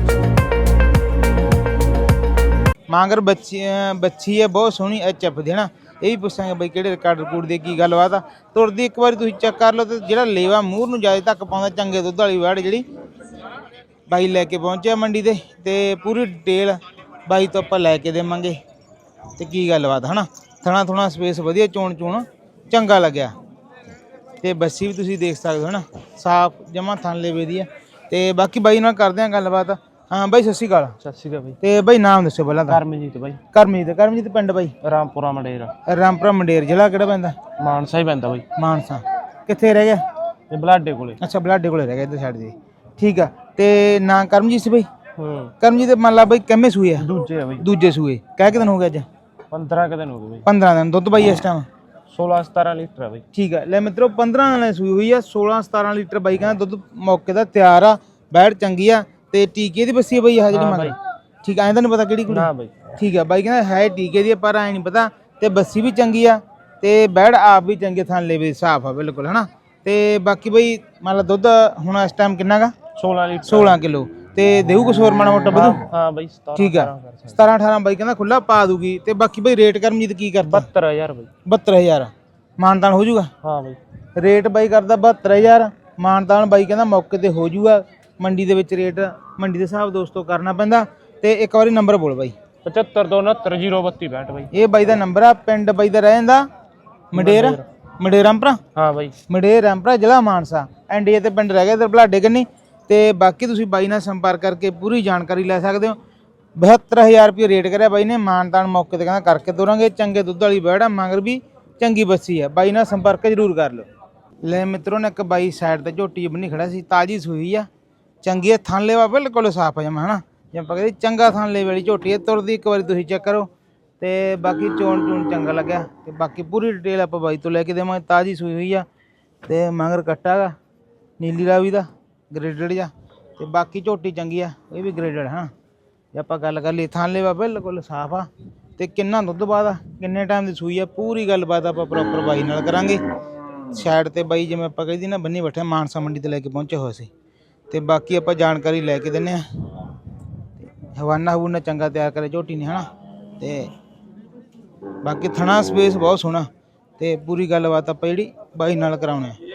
S3: मांगर बच्ची है बहुत सोहनी HF दी ना ਇਹ ਵੀ ਪੁੱਛਾਂਗੇ ਬਈ ਕਿਹੜੇ ਰਿਕਾਰਡ ਰਿਕੂਡ ਦੀ ਕੀ ਗੱਲਬਾਤ ਆ ਤੁਰਦੀ ਇੱਕ ਵਾਰੀ ਤੁਸੀਂ ਚੈੱਕ ਕਰ ਲਓ ਤੇ ਜਿਹੜਾ ਲੇਵਾ ਮੂਹਰ ਨੂੰ ਜਿਆਦਾ ਤੱਕ ਪਾਉਂਦਾ ਚੰਗੇ ਦੁੱਧ ਵਾਲੀ ਵੜ ਜਿਹੜੀ ਬਾਈ ਲੈ ਕੇ ਪਹੁੰਚਿਆ ਮੰਡੀ ਤੇ ਪੂਰੀ ਡਿਟੇਲ ਬਾਈ ਤੋਂ ਆਪਾਂ ਲੈ ਕੇ ਦੇਵਾਂਗੇ ਤੇ ਕੀ ਗੱਲਬਾਤ ਹਨਾ ਥਣਾ ਥੋਣਾ ਸਪੇਸ ਵਧੀਆ ਚੋਣ ਚੰਗਾ ਲੱਗਿਆ ਤੇ ਬੱਸੀ ਵੀ ਤੁਸੀਂ ਦੇਖ ਸਕਦੇ ਹੋ ਨਾ ਸਾਫ ਜਮਾ ਥਣ ਲੇਵੇ ਦੀ ਆ ਤੇ ਬਾਕੀ ਬਾਈ ਨਾਲ ਕਰਦੇ ਆਂ ਗੱਲਬਾਤ। ਹਾਂ ਬਾਈ ਸਤਿ ਸ਼੍ਰੀ ਅਕਾਲ।
S6: ਸਤਿ ਸ਼੍ਰੀ ਅਕਾਲ ਬਾਈ।
S3: ਤੇ ਬਾਈ ਨਾਮ ਦੱਸੋ ਪਹਿਲਾਂ ਤਾਂ।
S6: ਕਰਮਜੀਤ ਬਾਈ।
S3: ਕਰਮਜੀਤ ਪਿੰਡ ਬਾਈ
S6: ਰਾਮਪੁਰਾ ਮੰਡੇਰ।
S3: ਰਾਮਪੁਰਾ ਮੰਡੇਰ ਜ਼ਿਲ੍ਹਾ ਕਿਹੜਾ ਪੈਂਦਾ?
S6: ਮਾਨਸਾ ਹੀ ਪੈਂਦਾ ਬਾਈ।
S3: ਮਾਨਸਾ ਕਿੱਥੇ ਰਹਿ ਗਿਆ?
S6: ਤੇ ਬਲਾਡੇ ਕੋਲੇ।
S3: ਅੱਛਾ ਬਲਾਡੇ ਕੋਲੇ ਰਹਿ ਗਿਆ ਇੱਧਰ ਛੱਡ ਦੇ ਠੀਕ ਆ। ਤੇ ਨਾਂ ਕਰਮਜੀਤ ਸੀ ਬਾਈ?
S6: ਹਾਂ
S3: ਕਰਮਜੀਤ ਮੰਨ ਲਾ ਬਾਈ ਕਿੰਨੇ ਸੂਏ ਆ?
S6: ਦੂਜੇ ਆ ਬਾਈ।
S3: ਦੂਜੇ ਸੂਏ ਕਹਿ ਕਿ ਦਿਨ ਹੋ ਗਿਆ ਅੱਜ?
S6: 15 ਕੁ ਦਿਨ ਹੋ ਗਏ ਬਾਈ।
S3: 15 ਦਿਨ ਦੁੱਧ ਬਾਈ ਇਸ ਟਾਈਮ
S6: 16-17 ਲੀਟਰ ਆ ਬਾਈ।
S3: ਠੀਕ ਆ ਲੈ ਮਿੱਤਰੋ 15 ਦਿਨਾਂ ਦੀ ਸੂਈ ਹੋਈ ਆ 16-17 ਲੀਟਰ ਬਾਈ ਕਹਿੰਦਾ ਦੁੱਧ ਮੌਕੇ ਦਾ ਤਿਆਰ ਆ ਬੈੜ ਚੰਗੀ ਆ ਤੇ ਟੀਕੇ ਦੀ ਬੱਸੀ ਆ ਬਾਈ ਆ ਜਿਹੜੀ ਮੰਗ ਠੀਕ ਆ ਐਂ ਤਾਂ ਨਹੀਂ ਪਤਾ ਕਿਹੜੀ ਕੁੜੀ?
S6: ਨਾ ਬਾਈ।
S3: ਠੀਕ ਆ ਬਾਈ ਕਹਿੰਦਾ ਹੈ ਟੀਕੇ ਦੀ ਪਰ ਐ ਨਹੀਂ ਪਤਾ ਤੇ ਬੱਸੀ ਵੀ ਚੰਗੀ ਆ ਤੇ ਬੈੜ ਆਪ ਵੀ ਚੰਗੇ ਥਾਂ ਲੇਵੇ ਸਾਫ ਆ ਬਿਲਕੁਲ ਹਨਾ ਤੇ ਬਾਕੀ ਬਾਈ ਮੰਨ ਲਾ ਦੁੱਧ ਹੁਣ ਇਸ ਟਾਈਮ ਕਿੰਨਾ ਗਾ?
S6: 16 ਲੀਟਰ
S3: 16 ਕਿਲੋ ਤੇ ਦੇਊ ਕੁਛ ਹੋਰ ਮਾੜਾ ਮੋਟਾ ਵਧੂ?
S6: ਹਾਂ ਬਾਈ 17।
S3: ਠੀਕ ਆ 17-18 ਬਾਈ ਕਹਿੰਦਾ ਖੁੱਲਾ ਪਾ ਦੂਗੀ ਤੇ ਬਾਕੀ ਬਾਈ ਰੇਟ ਕਰਮਜੀਤ ਕੀ ਕਰਦਾ?
S6: 72000 ਬਾਈ।
S3: 72000 ਮਾਨਤਾਨ ਹੋ ਜਾਊਗਾ?
S6: ਹਾਂ ਬਾਈ।
S3: ਰੇਟ ਬਾਈ ਕਰਦਾ 72000 ਮਾਨਤਾਨ ਬਾਈ ਕਹਿੰਦਾ ਮੌਕੇ ਤੇ ਹੋ ਜਾਊਗਾ ਮੰਡੀ ਦੇ ਵਿੱਚ ਰੇਟ ਮੰਡੀ ਦੇ ਹਿਸਾਬ ਦੋਸਤੋ ਕਰਨਾ ਪੈਂਦਾ ਤੇ ਇੱਕ ਵਾਰੀ ਨੰਬਰ ਬੋਲ ਬਾਈ।
S6: 75296032 ਬਾਈ।
S3: ਇਹ ਬਾਈ ਦਾ ਨੰਬਰ ਆ ਪਿੰਡ ਬਾਈ ਦਾ ਰਹਿ ਜਾਂਦਾ ਮੰਡੇਰ ਰਾਮਪੁਰਾ।
S6: ਹਾਂ ਬਾਈ
S3: ਮੰਡੇਰ ਰਾਮਪੁਰਾ ਜ਼ਿਲ੍ਹਾ ਮਾਨਸਾ ਐਨਡੀਏ ਤੇ ਪਿੰਡ ਰਹਿ ਗਿਆ ਇਧਰ ਬਲਾਡੇ ਕੰਨੀ ਤੇ ਬਾਕੀ ਤੁਸੀਂ ਬਾਈ ਨਾਲ ਸੰਪਰਕ ਕਰਕੇ ਪੂਰੀ ਜਾਣਕਾਰੀ ਲੈ ਸਕਦੇ ਹੋ। 72000 ਰੁਪਏ ਰੇਟ ਕਰਿਆ ਬਾਈ ਨੇ ਮਾਨਤਾਨ ਮੌਕੇ ਤੇ ਕਹਿੰਦਾ ਕਰਕੇ ਤੋਰਾਂਗੇ ਚੰਗੇ ਦੁੱਧ ਵਾਲੀ ਬੈੜਾ ਮਗਰ ਵੀ ਚੰਗੀ ਬੱਸੀ ਆ ਬਾਈ ਨਾਲ ਸੰਪਰਕ ਜ਼ਰੂਰ ਕਰ ਲਓ। ਲੈ ਮਿੱਤਰੋਂ ਨੇ ਇੱਕ ਬਾਈ ਸਾਈਡ ਤੇ ਝੋਟੀ ਬੰਨੀ ਖੜਾ ਸੀ ਤਾਜੀ ਸੂਈ ਆ ਚੰਗੀ ਆ ਥਣ ਲੇਵਾ ਬਿਲਕੁਲ ਸਾਫ ਆ ਜਮਾ ਹਨਾ ਜੇ ਆਪਾਂ ਕਹਿੰਦੇ ਚੰਗਾ ਥਣ ਲੇਵੇ ਵਾਲੀ ਝੋਟੀ ਹੈ ਤੁਰਦੀ ਇੱਕ ਵਾਰੀ ਤੁਸੀਂ ਚੈੱਕ ਕਰੋ ਤੇ ਬਾਕੀ ਚੋਣ ਚੰਗਾ ਲੱਗਿਆ ਤੇ ਬਾਕੀ ਪੂਰੀ ਡਿਟੇਲ ਆਪਾਂ ਬਾਈ ਤੋਂ ਲੈ ਕੇ ਦੇਵਾਂਗੇ। ਤਾਜੀ ਸੂਈ ਹੋਈ ਆ ਤੇ ਮਗਰ ਕੱਟਾ ਗਾ ਨੀਲੀ ਰਾਵੀ ਦਾ ਗ੍ਰੇਡਡ ਜਾ ਤੇ ਬਾਕੀ ਝੋਟੀ ਚੰਗੀ ਆ ਇਹ ਵੀ ਗ੍ਰੇਡਡ ਹਾਂ ਜੇ ਆਪਾਂ ਗੱਲ ਕਰ ਲਈ ਥਣ ਲੇਵਾ ਬਿਲਕੁਲ ਸਾਫ ਆ ਤੇ ਕਿੰਨਾ ਦੁੱਧ ਬਾਅਦ ਆ ਕਿੰਨੇ ਟਾਈਮ ਦੀ ਸੂਈ ਆ ਪੂਰੀ ਗੱਲਬਾਤ ਆਪਾਂ ਪ੍ਰੋਪਰ ਬਾਈ ਨਾਲ ਕਰਾਂਗੇ। ਸਾਈਡ ਤੇ ਬਾਈ ਜਿਵੇਂ ਆਪਾਂ ਕਹਿੰਦੀ ਨਾ ਬੰਨੀ ਬੈਠੇ ਮਾਨਸਾ ਮੰਡੀ ਤੇ ਲੈ ਕੇ ਪਹੁੰਚੇ ਹੋਏ ਸੀ ਤੇ ਬਾਕੀ ਆਪਾਂ ਜਾਣਕਾਰੀ ਲੈ ਕੇ ਦਿੰਨੇ ਆ ਹਵਾਨਾ ਹਵੂਨਾ ਚੰਗਾ ਤਿਆਰ ਕਰੇ ਝੋਟੀ ਨੇ ਹਨਾ ਤੇ ਬਾਕੀ ਥਣਾ ਸਪੇਸ ਬਹੁਤ ਸੋਹਣਾ ਤੇ ਪੂਰੀ ਗੱਲਬਾਤ ਆਪਾਂ ਜਿਹੜੀ ਬਾਈ ਨਾਲ ਕਰਾਉਣੇ ਆ।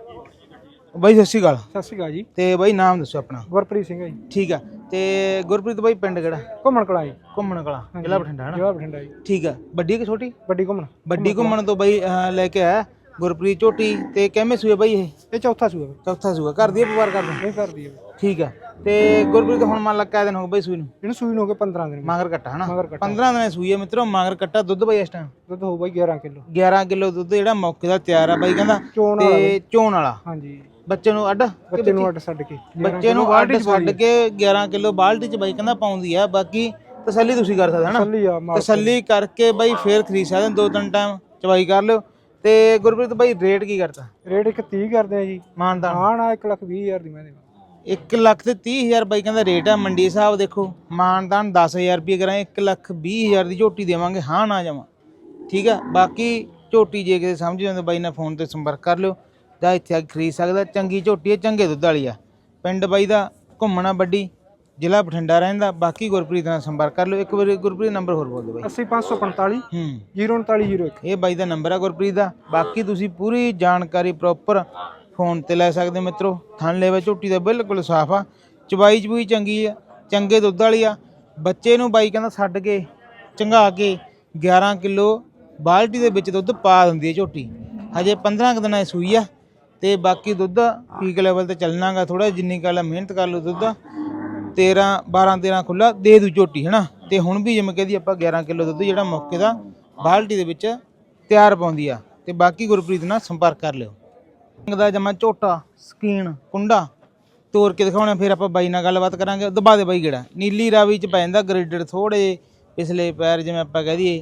S3: ਬਾਈ ਸਤਿ ਸ਼੍ਰੀ ਅਕਾਲ।
S1: ਸਤਿ ਸ਼੍ਰੀ ਅਕਾਲ ਜੀ।
S3: ਤੇ ਬਾਈ ਨਾਮ ਦੱਸੋ ਆਪਣਾ?
S1: ਗੁਰਪ੍ਰੀਤ ਸਿੰਘ ਜੀ।
S3: ਠੀਕ ਆ ਤੇ ਗੁਰਪ੍ਰੀਤ ਬਾਈ ਪਿੰਡ ਕਿਹੜਾ?
S1: ਘੁੰਮਣ ਕਲਾ ਜੀ।
S3: ਘੁੰਮਣ ਕਲਾ ਜ਼ਿਲ੍ਹਾ ਬਠਿੰਡਾ ਹਨਾ?
S1: ਜ਼ਿਲ੍ਹਾ ਬਠਿੰਡਾ ਜੀ।
S3: ਠੀਕ ਆ ਵੱਡੀ ਕਿ ਛੋਟੀ?
S1: ਵੱਡੀ ਘੁੰਮਣ।
S3: ਵੱਡੀ ਘੁੰਮਣ ਤੋਂ ਬਾਈ ਲੈ ਕੇ ਆਇਆ ਗੁਰਪ੍ਰੀਤ ਝੋਟੀ ਤੇ ਕਿਵੇਂ ਸੂਏ ਬਾਈ
S1: ਇਹ ਚੌਥਾ ਸੂਆ।
S3: ਚੌਥਾ ਸੂਆ ਕਰਦੀ ਹੈ ਵਪਾਰ ਕਰਦਾ?
S1: ਇਹ ਕਰਦੀ ਹੈ।
S3: ਠੀਕ ਆ ਤੇ ਗੁਰਪ੍ਰੀਤ ਹੁਣ ਮੰਨ ਲਾ ਕਿਆ ਦਿਨ ਹੋ ਗਏ ਬਾਈ ਸੂਈ ਨੂੰ?
S1: ਇਹਨੂੰ ਸੂਈ ਨੂੰ ਹੋ ਗਏ 15 ਦਿਨ।
S3: ਮਾਗਰ ਕੱਟਾ ਹਨਾ?
S1: ਮਗਰ ਕੱਟਾ
S3: 15 ਦਿਨ ਸੂਈ ਹੈ ਮਿੱਤਰੋ ਮਗਰ ਕੱਟਾ ਦੁੱਧ ਬਾਈ ਇਸ ਟਾਈਮ
S1: ਦੁੱਧ ਹੋ ਬਾਈ 11 ਕਿਲੋ।
S3: 11 ਕਿਲੋ ਦੁੱਧ ਜਿਹੜਾ ਮੌਕੇ ਦਾ ਤਿਆਰ ਆ ਬਾਈ ਕਹਿੰਦਾ
S1: ਤੇ
S3: ਚੋਣ ਵਾਲਾ।
S1: ਹਾਂਜੀ
S3: ਬੱਚੇ ਨੂੰ ਅੱਡ
S1: ਬੱਚੇ ਨੂੰ ਅੱਡ ਛੱਡ ਕੇ
S3: ਬੱਚੇ ਨੂੰ ਅੱਡ ਛੱਡ ਕੇ 11 ਕਿਲੋ ਬਾਲਟੀ ਚ ਬਾਈ ਕਹਿੰਦਾ ਪਾਉਂਦੀ ਆ। ਬਾਕੀ ਤਸੱਲੀ ਤੁਸੀਂ ਕਰ ਸਕਦੇ ਹਨਾ ਤਸੱਲੀ ਕਰਕੇ ਬਾਈ ਫੇਰ ਖਰੀਦ ਸਕਦੇ 2-3 ਟਾਈਮ ਚਵਾਈ ਕਰ ਲਿਓ। ਤੇ ਗੁਰਪ੍ਰੀਤ ਬਾਈ ਰੇਟ ਕੀ ਕਰਤਾ?
S1: ਰੇਟ 130 ਕਰਦੇ ਆ ਜੀ।
S3: ਮਾਨਦਾਨ
S1: ਹਾਂ ਨਾ 1,20,000 ਦੀ ਮੈਂ ਦੇਵਾਂ।
S3: 1,30,000 ਬਾਈ ਕਹਿੰਦਾ ਰੇਟ ਆ ਮੰਡੀ ਹਿਸਾਬ ਦੇਖੋ ਮਾਨਦਾਨ 10,000 ਰੁਪਏ ਕਰਾਂ 1,20,000 ਦੀ ਝੋਟੀ ਦੇਵਾਂਗੇ ਹਾਂ ਨਾ ਜਾਵਾਂ ਠੀਕ ਆ। ਬਾਕੀ ਝੋਟੀ ਜੇ ਕਿਤੇ ਸਮਝ ਜਾਂਦੇ ਬਾਈ ਨਾਲ ਫੋਨ ਤੇ ਸੰਪਰਕ ਕਰ ਲਿਓ ਜਾਂ ਇੱਥੇ ਆ ਕੇ ਖਰੀਦ ਸਕਦਾ। ਚੰਗੀ ਝੋਟੀ ਹੈ ਚੰਗੇ ਦੁੱਧ ਵਾਲੀ ਆ। ਪਿੰਡ ਬਾਈ ਦਾ ਘੁੰਮਣਾ ਵੱਡੀ ਜ਼ਿਲ੍ਹਾ ਬਠਿੰਡਾ ਰਹਿੰਦਾ। ਬਾਕੀ ਗੁਰਪ੍ਰੀਤ ਨਾਲ ਸੰਪਰਕ ਕਰ ਲਿਓ। ਇੱਕ ਵਾਰੀ ਗੁਰਪ੍ਰੀਤ ਨੰਬਰ ਹੋਰ ਬੋਲ ਦਿਓ ਬਾਈ।
S1: 80545 03901
S3: ਇਹ ਬਾਈ ਦਾ ਨੰਬਰ ਆ ਗੁਰਪ੍ਰੀਤ ਦਾ। ਬਾਕੀ ਤੁਸੀਂ ਪੂਰੀ ਜਾਣਕਾਰੀ ਪ੍ਰੋਪਰ ਫੋਨ ਤੇ ਲੈ ਸਕਦੇ ਮਿੱਤਰੋ। ਥਣ ਲੇਵਾ ਝੋਟੀ ਦਾ ਬਿਲਕੁਲ ਸਾਫ ਆ ਚਬਾਈ ਚਬੂਈ ਚੰਗੀ ਆ ਚੰਗੇ ਦੁੱਧ ਵਾਲੀ ਆ। ਬੱਚੇ ਨੂੰ ਬਾਈ ਕਹਿੰਦਾ ਛੱਡ ਕੇ ਚੰਗਾ ਕੇ 11 ਕਿਲੋ ਬਾਲਟੀ ਦੇ ਵਿੱਚ ਦੁੱਧ ਪਾ ਦਿੰਦੀ ਹੈ ਝੋਟੀ। ਹਜੇ 15 ਦਿਨਾਂ ਦੀ ਸੂਈ ਆ ਤੇ ਬਾਕੀ ਦੁੱਧ ਪੀਕ ਲੈਵਲ ਤੇ ਚੱਲਣਾਗਾ ਥੋੜਾ ਜਿੰਨੀ ਗੱਲ ਮਿਹਨਤ ਕਰ ਲਓ ਦੁੱਧ 12-13 ਖੁੱਲਾ ਦੇ ਦੂ ਝੋਟੀ ਹਨਾ। ਤੇ ਹੁਣ ਵੀ ਜਿਵੇਂ ਕਹਦੀ ਆਪਾਂ 11 ਕਿਲੋ ਦੁੱਧ ਜਿਹੜਾ ਮੌਕੇ ਦਾ ਬਾਲਟੀ ਦੇ ਵਿੱਚ ਤਿਆਰ ਪਾਉਂਦੀ ਆ। ਤੇ ਬਾਕੀ ਗੁਰਪ੍ਰੀਤ ਨਾਲ ਸੰਪਰਕ ਕਰ ਲਿਓ। ਦਾ ਜਮਾ ਝੋਟਾ ਸਕੀਨ ਕੁੰਡਾ ਤੋੜ ਕੇ ਦਿਖਾਉਣਾ, ਫਿਰ ਆਪਾਂ ਬਾਈ ਨਾਲ ਗੱਲਬਾਤ ਕਰਾਂਗੇ। ਦਬਾ ਦੇ ਬਾਈ ਗੇੜਾ। ਨੀਲੀ ਰਾਵੀ ਚ ਪੈ ਜਾਂਦਾ, ਗ੍ਰੇਡਡ ਥੋੜੇ ਪਿਛਲੇ ਪੈਰ ਜਿਵੇਂ ਆਪਾਂ ਕਹਿ ਦਈਏ,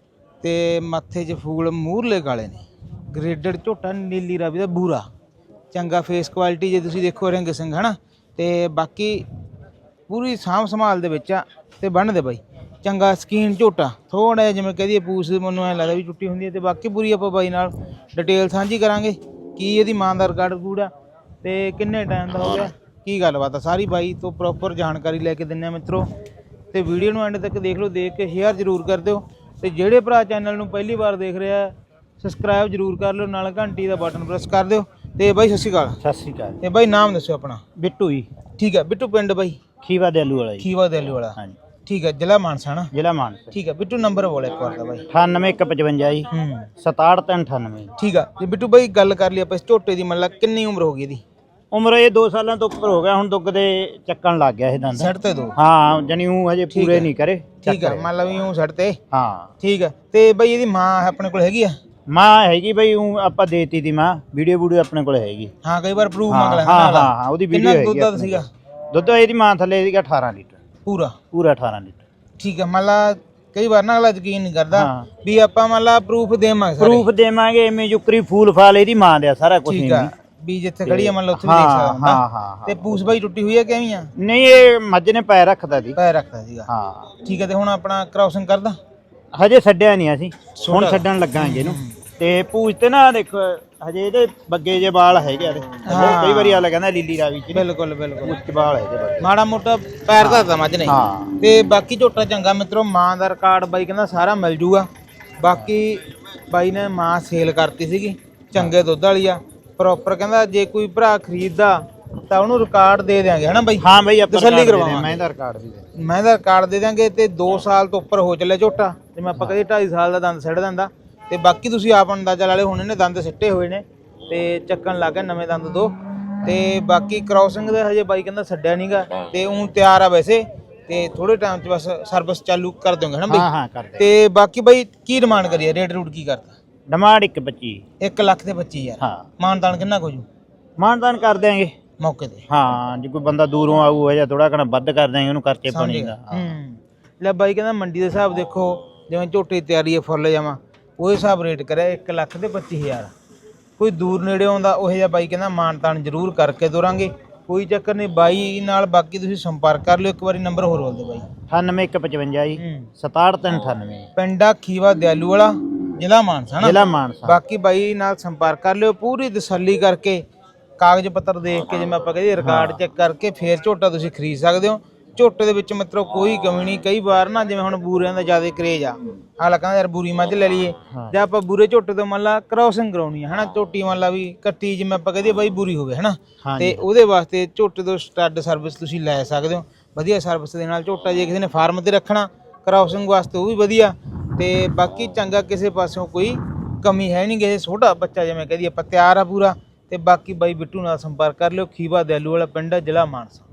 S3: ਤੇ ਮੱਥੇ 'ਚ ਫੂਲ ਮੂਹਰਲੇ ਕਾਲੇ ਨੇ। ਗ੍ਰੇਡਡ ਝੋਟਾ ਨੀਲੀ ਰਾਵੀ ਦਾ ਬੂਰਾ, ਚੰਗਾ ਫੇਸ ਕੁਆਲਿਟੀ ਜੇ ਤੁਸੀਂ ਦੇਖੋ, ਰਿੰਗ ਸਿੰਘ ਹੈ ਨਾ। ਤੇ ਬਾਕੀ ਪੂਰੀ ਸਾਂਭ ਸੰਭਾਲ ਦੇ ਵਿੱਚ ਆ ਤੇ ਬੰਨ੍ਹਦੇ ਬਾਈ ਚੰਗਾ ਸਕੀਨ ਝੋਟਾ, ਥੋੜਾ ਜਿਹਾ ਜਿਵੇਂ ਕਹਦੀਏ ਪੂਛ ਮੈਨੂੰ ਐਂ ਲੱਗਦਾ ਵੀ ਟੁੱਟੀ ਹੁੰਦੀ ਹੈ। ਤੇ ਬਾਕੀ ਪੂਰੀ ਆਪਾਂ ਬਾਈ ਨਾਲ ਡਿਟੇਲ ਸਾਂਝੀ ਕਰਾਂਗੇ, ਕੀ ਇਹਦੀ ਮਾਂ ਦਾ ਰਿਕਾਰਡ ਕੂੜਾ ਤੇ ਕਿੰਨੇ ਟਾਈਮ ਦਾ ਹੋ ਗਿਆ, ਕੀ ਗੱਲਬਾਤ ਆ ਸਾਰੀ ਬਾਈ ਤੋਂ ਪ੍ਰੋਪਰ ਜਾਣਕਾਰੀ ਲੈ ਕੇ ਦਿੰਦੇ ਆ ਮਿੱਤਰੋ। ਤੇ ਵੀਡੀਓ ਨੂੰ ਐਂਡ ਤੱਕ ਦੇਖ ਲਓ, ਦੇਖ ਕੇ ਸ਼ੇਅਰ ਜ਼ਰੂਰ ਕਰ ਦਿਓ। ਤੇ ਜਿਹੜੇ ਭਰਾ ਚੈਨਲ ਨੂੰ ਪਹਿਲੀ ਵਾਰ ਦੇਖ ਰਿਹਾ ਸਬਸਕ੍ਰਾਈਬ ਜ਼ਰੂਰ ਕਰ ਲਿਓ, ਨਾਲ ਘੰਟੀ ਦਾ ਬਟਨ ਪ੍ਰੈਸ ਕਰ ਦਿਓ। ਤੇ ਬਾਈ ਸਤਿ ਸ਼੍ਰੀ ਅਕਾਲ।
S10: ਸਤਿ ਸ਼੍ਰੀ ਅਕਾਲ।
S3: ਤੇ ਬਾਈ ਨਾਮ ਦੱਸਿਓ ਆਪਣਾ।
S10: ਬਿੱਟੂ ਜੀ।
S3: ਠੀਕ ਹੈ ਬਿੱਟੂ, ਪਿੰਡ ਬਾਈ
S10: ਖੀਵਾ ਦੇਲੂ ਵਾਲਾ ਜੀ।
S3: ਖੀਵਾ ਦੇਲੂ ਵਾਲਾ,
S10: ਹਾਂਜੀ
S3: ਠੀਕ ਹੈ, ਜ਼ਿਲ੍ਹਾ ਮਾਨਸਾ ਨਾ।
S10: ਜ਼ਿਲ੍ਹਾ ਮਾਨਸਾ।
S3: ਠੀਕ ਹੈ ਬਿੱਟੂ, ਨੰਬਰ ਬੋਲ ਇੱਕ ਵਾਰ ਦਾ ਬਾਈ।
S10: 98155 ਜੀ 67398।
S3: ਠੀਕ ਆ। ਤੇ ਬਿੱਟੂ ਬਾਈ ਗੱਲ ਕਰ ਲਈ ਆਪਾਂ ਇਸ ਝੋਟੇ ਦੀ, ਮਤਲਬ ਕਿੰਨੀ ਉਮਰ ਹੋ ਗਈ ਇਹਦੀ?
S10: ਉਮਰ ਇਹ 2 ਸਾਲਾਂ ਤੋਂ ਉੱਪਰ ਹੋ ਗਿਆ, ਹੁਣ ਦੁੱਗ ਦੇ ਚੱਕਣ ਲੱਗ ਗਿਆ ਇਹ ਦੰਦ।
S3: ਸੜ ਤੇ ਦੋ।
S10: ਹਾਂ ਜਾਨੀ ਉਹ ਹਜੇ ਪੂਰੇ ਨਹੀਂ ਕਰੇ।
S3: ਠੀਕ ਆ, ਮਤਲਬ ਯੂੰ ਸੜ ਤੇ।
S10: ਹਾਂ
S3: ਠੀਕ ਆ। ਤੇ ਬਾਈ ਇਹਦੀ ਮਾਂ ਆਪਣੇ ਕੋਲ ਹੈਗੀ ਆ?
S10: ਮਾਂ ਹੈਗੀ ਬਈ, ਉਹ ਆਪਾਂ ਦੇਤੀ ਦੀ ਮਾਂ, ਵੀਡੀਓ ਆਪਣੇ ਕੋਲ ਹੈਗੀ।
S3: ਹਾਂ ਕਈ ਵਾਰ ਪ੍ਰੂਫ ਮੰਗ
S10: ਹਾਂ
S3: ਲੈਂਦਾ।
S10: ਹਾਂ ਉਹਦੀ ਵੀਡੀਓ ਹੈਗੀ।
S3: ਦੁੱਧ ਦਾ ਸੀਗਾ?
S10: ਦੁੱਧ ਇਹਦੀ ਮਾਂ ਥੱਲੇ ਸੀਗਾ 18 ਲੀਟਰ
S3: ਪੂਰਾ
S10: 18 ਲੀਟਰ।
S3: ਠੀਕ ਆ, ਮਤਲਬ ਕਈ ਵਾਰ ਨਾ ਅਗਲਾ ਯਕੀਨ ਨਹੀਂ ਕਰਦਾ ਵੀ ਆਪਾਂ ਮਤਲਬ ਪ੍ਰੂਫ ਦੇਵਾਂਗੇ।
S10: ਪ੍ਰੂਫ ਦੇਵਾਂਗੇ, ਐਵੇਂ ਜੁਕਰੀ ਫੂਲ ਫਾਲ ਇਹਦੀ ਮਾਂ ਦੇ ਸਾਰਾ ਕੁਝ।
S3: ਠੀਕ ਆ, ਵੀ ਜਿੱਥੇ ਖੜੀ ਆ ਮਤਲਬ ਉੱਥੇ ਵੀ ਦੇਖ ਸਕਦਾ ਹੁੰਦਾ।
S10: ਹਾਂ।
S3: ਤੇ ਪੂਛ ਬਾਈ ਟੁੱਟੀ ਹੋਈ ਆ ਕਿਵੇਂ ਆ?
S10: ਨਹੀਂ ਇਹ ਮੱਝ ਨੇ ਪੈਰ ਰੱਖਦਾ ਸੀ।
S3: ਪੈਰ ਰੱਖਦਾ ਸੀਗਾ।
S10: ਹਾਂ
S3: ਠੀਕ ਆ। ਤੇ ਹੁਣ ਆਪਣਾ ਕ੍ਰਾਸਿੰਗ ਕਰਦਾ?
S10: ਹਜੇ ਛੱਡਿਆ ਨਹੀਂ ਅਸੀਂ, ਹੁਣ ਛੱਡਣ ਲੱਗਾਂਗੇ ਇਹਨੂੰ। ਤੇ ਪੂਛ ਤੇ ਨਾ ਦੇਖੋ ਹਜੇ ਇਹਦੇ ਬੱਗੇ ਜੇ ਵਾਲ ਹੈਗੇ ਆ। ਕਈ ਵਾਰੀ ਆਲਾ ਕਹਿੰਦਾ ਲੀਲੀ ਰਾਵੀ ਚ।
S3: ਬਿਲਕੁਲ ਬਿਲਕੁਲ
S10: ਉੱਚ ਵਾਲ ਹੈਗੇ ਬੱਗੇ,
S3: ਮਾੜਾ ਮੋਟਾ ਪੈਰ ਧਰਦਾ ਮੱਝ ਨੇ।
S10: ਹਾਂ।
S3: ਤੇ ਬਾਕੀ ਝੋਟਾ ਚੰਗਾ ਮਿੱਤਰੋ, ਮਾਂ ਦਾ ਰਿਕਾਰਡ ਬਾਈ ਕਹਿੰਦਾ ਸਾਰਾ ਮਿਲ ਜੂਗਾ। ਬਾਕੀ ਬਾਈ ਨੇ ਮਾਂ ਸੇਲ ਕਰਤੀ ਸੀਗੀ, ਚੰਗੇ ਦੁੱਧ ਵਾਲੀ ਆ ਪ੍ਰੋਪਰ। ਕਹਿੰਦਾ ਜੇ ਕੋਈ ਭਰਾ ਖਰੀਦਦਾ ਤਾਂ ਉਹਨੂੰ ਰਿਕਾਰਡ ਦੇ ਦਿਆਂਗੇ, ਹਨਾ ਬਾਈ?
S10: ਹਾਂ ਬਾਈ ਆਪਾਂ
S3: ਤਸੱਲੀ ਕਰਵਾਵਾਂਗੇ।
S10: ਮੈਂ ਦਾ ਰਿਕਾਰਡ ਵੀ ਦੇ,
S3: ਮੈਂ ਦਾ ਰਿਕਾਰਡ ਦੇ ਦਿਆਂਗੇ। ਤੇ 2 ਸਾਲ ਤੋਂ ਉੱਪਰ ਹੋ ਚੱਲਿਆ ਝੋਟਾ, ਜਿਵੇਂ ਆਪਾਂ ਕਹਦੇ 2.5 ਸਾਲ ਦਾ ਦੰਦ ਸਿੱਟ ਦਿੰਦਾ। ਤੇ ਬਾਕੀ ਤੁਸੀਂ ਆਪ ਅੰਦਾਜ਼ਾ ਲਾ ਲਿਓ, ਹੁਣ ਇਹਨੇ ਦੰਦ ਸਿੱਟੇ ਹੋਏ ਨੇ ਤੇ ਚੱਕਣ ਲੱਗ ਗਿਆ ਨਵੇਂ ਦੰਦ 2। ਤੇ ਬਾਕੀ ਕ੍ਰਾਸਿੰਗ ਦੇ ਹਜੇ ਬਾਈ ਕਹਿੰਦਾ ਛੱਡਿਆ ਨਹੀਂਗਾ, ਤੇ ਉਹ ਤਿਆਰ ਆ ਵੈਸੇ। ਤੇ ਥੋੜੇ ਟਾਈਮ 'ਚ ਬਸ ਸਰਵਿਸ ਚਾਲੂ ਕਰ ਦੋਗੇ ਹਨਾ ਬਾਈ?
S10: ਹਾਂ ਕਰ ਦੇ।
S3: ਤੇ ਬਾਕੀ ਬਾਈ ਕੀ ਡਿਮਾਂਡ ਕਰੀਏ, ਰੇਟ ਰੂਟ ਕੀ ਕਰਦਾ?
S10: ਡਿਮਾਂਡ 1.25।
S3: 1 ਲੱਖ ਤੇ 25,000।
S10: ਹਾਂ।
S3: ਮਾਨਤਾਨ ਕਿੰਨਾ ਕੁ ਜੂ
S10: ਮਾਨਦਾਨ ਕਰ ਦਿਆਂਗੇ
S3: ਮੌਕੇ ਤੇ?
S10: ਹਾਂ ਜੇ ਕੋਈ ਬੰਦਾ ਦੂਰੋਂ ਆਊ ਜਾਂ ਥੋੜਾ ਘਣਾ ਵੱਧ ਕਰ ਦਿਆਂਗੇ ਉਹਨੂੰ, ਖਰਚੇ ਪਾਣੀ ਦਾ।
S3: ਲੈ ਬਾਈ ਕਹਿੰਦਾ ਮੰਡੀ ਦੇ ਹਿਸਾਬ ਦੇਖੋ, ਜਿਵੇਂ ਝੋਟੇ ਦੀ ਤਿਆਰੀ ਹੈ ਫੁੱਲ ਜਾਵਾਂ, ਉਹ ਹਿਸਾਬ ਰੇਟ ਕਰਿਆ 1 ਲੱਖ ਤੇ 25,000। ਕੋਈ ਦੂਰ ਨੇੜੇ ਆਉਂਦਾ ਉਹ ਜਿਹਾ ਬਾਈ ਕਹਿੰਦਾ ਮਾਨਤਾਨ ਜ਼ਰੂਰ ਕਰਕੇ ਤੋਰਾਂਗੇ, ਕੋਈ ਚੱਕਰ ਨਹੀਂ ਬਾਈ ਨਾਲ। ਬਾਕੀ ਤੁਸੀਂ ਸੰਪਰਕ ਕਰ ਲਿਓ। ਇੱਕ ਵਾਰੀ ਨੰਬਰ ਹੋਰ ਬੋਲ ਦਿਓ ਬਾਈ।
S10: 98155 ਜੀ 67398।
S3: ਪਿੰਡਾ ਖੀਵਾ ਦਿਆਲੂ ਵਾਲਾ, ਜ਼ਿਲ੍ਹਾ ਮਾਨਸਾ ਨਾ।
S10: ਜ਼ਿਲ੍ਹਾ ਮਾਨਸਾ।
S3: ਬਾਕੀ ਬਾਈ ਨਾਲ ਸੰਪਰਕ ਕਰ ਲਿਓ, ਪੂਰੀ ਤਸੱਲੀ ਕਰਕੇ ਕਾਗਜ਼ ਪੱਤਰ ਦੇਖ ਕੇ, ਜਿਵੇਂ ਆਪਾਂ ਕਹਿੰਦੇ ਰਿਕਾਰਡ ਚੈੱਕ ਕਰਕੇ ਫੇਰ ਝੋਟਾ ਤੁਸੀਂ ਖਰੀਦ ਸਕਦੇ ਹੋ। ਝੋਟੇ ਦੇ ਵਿੱਚ ਮਿੱਤਰੋ ਕੋਈ ਕਮੀ ਨਹੀਂ। ਕਈ ਵਾਰ ਨਾ ਜਿਵੇਂ ਹੁਣ ਬੂਰਿਆਂ ਦਾ ਜ਼ਿਆਦਾ ਕਰੇਜ ਆ, ਹਾਲਾ ਕਹਿੰਦਾ ਯਾਰ ਬੂਰੀ ਮੱਝ ਲੈ ਲਈਏ, ਜਾਂ ਆਪਾਂ ਬੂਰੇ ਝੋਟੇ ਤੋਂ ਮੰਨ ਲਾ ਕ੍ਰਾਸਿੰਗ ਕਰਾਉਣੀ ਹੈ ਹਨਾ, ਝੋਟੀ ਮੰਨ ਲਾ ਵੀ ਕੱਟੀ ਜਿਵੇਂ ਆਪਾਂ ਕਹਦੇ ਬਾਈ ਬੂਰੀ ਹੋਵੇ ਹਨਾ। ਤੇ ਉਹਦੇ ਵਾਸਤੇ ਝੋਟੇ ਤੋਂ ਸਟੱਡ ਸਰਵਿਸ ਤੁਸੀਂ ਲੈ ਸਕਦੇ ਹੋ, ਵਧੀਆ ਸਰਵਿਸ ਦੇ ਨਾਲ ਝੋਟਾ। ਜੇ ਕਿਸੇ ਨੇ ਫਾਰਮ ਤੇ ਰੱਖਣਾ ਕ੍ਰਾਸਿੰਗ ਵਾਸਤੇ ਉਹ ਵੀ ਵਧੀਆ। ਤੇ ਬਾਕੀ ਚੰਗਾ, ਕਿਸੇ ਪਾਸਿਓਂ ਕੋਈ ਕਮੀ ਹੈ ਨਹੀਂ। ਕਿਸੇ ਛੋਟਾ ਬੱਚਾ ਜਿਵੇਂ ਕਹਦੀ ਆਪਾਂ ਤਿਆਰ ਆ ਪੂਰਾ। ਤੇ ਬਾਕੀ ਬਾਈ ਬਿੱਟੂ ਨਾਲ ਸੰਪਰਕ ਕਰ ਲਿਓ। ਖੀਵਾ ਦਿਆਲੂ ਵਾਲਾ ਪਿੰਡ ਹੈ, ਜ਼ਿਲ੍ਹਾ ਮਾਨਸਾ।